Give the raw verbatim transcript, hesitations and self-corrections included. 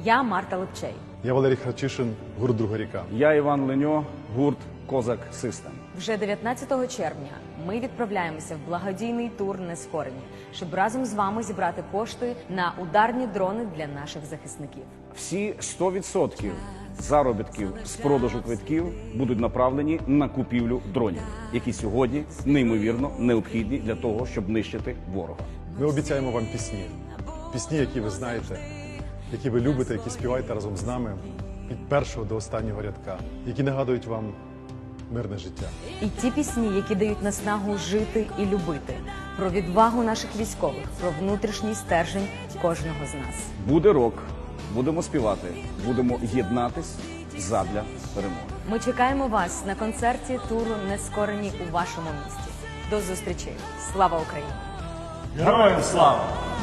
Я Марта Лепчей. Я Валерій Храчишин, гурт «Друга ріка». Я Іван Леньо, гурт «Козак Систем». Вже дев'ятнадцятого червня ми відправляємося в благодійний тур «Нескорені», щоб разом з вами зібрати кошти на ударні дрони для наших захисників. Всі сто відсотків заробітків з продажу квитків будуть направлені на купівлю дронів, які сьогодні неймовірно необхідні для того, щоб нищити ворога. Ми обіцяємо вам пісні. Пісні, які ви знаєте, які ви любите, які співаєте разом з нами від першого до останнього рядка, які нагадують вам мирне життя. І ті пісні, які дають наснагу жити і любити, про відвагу наших військових, про внутрішній стержень кожного з нас. Буде рок, будемо співати, будемо єднатись задля перемоги. Ми чекаємо вас на концерті туру «Нескорені» у вашому місті. До зустрічі! Слава Україні! Героям слава!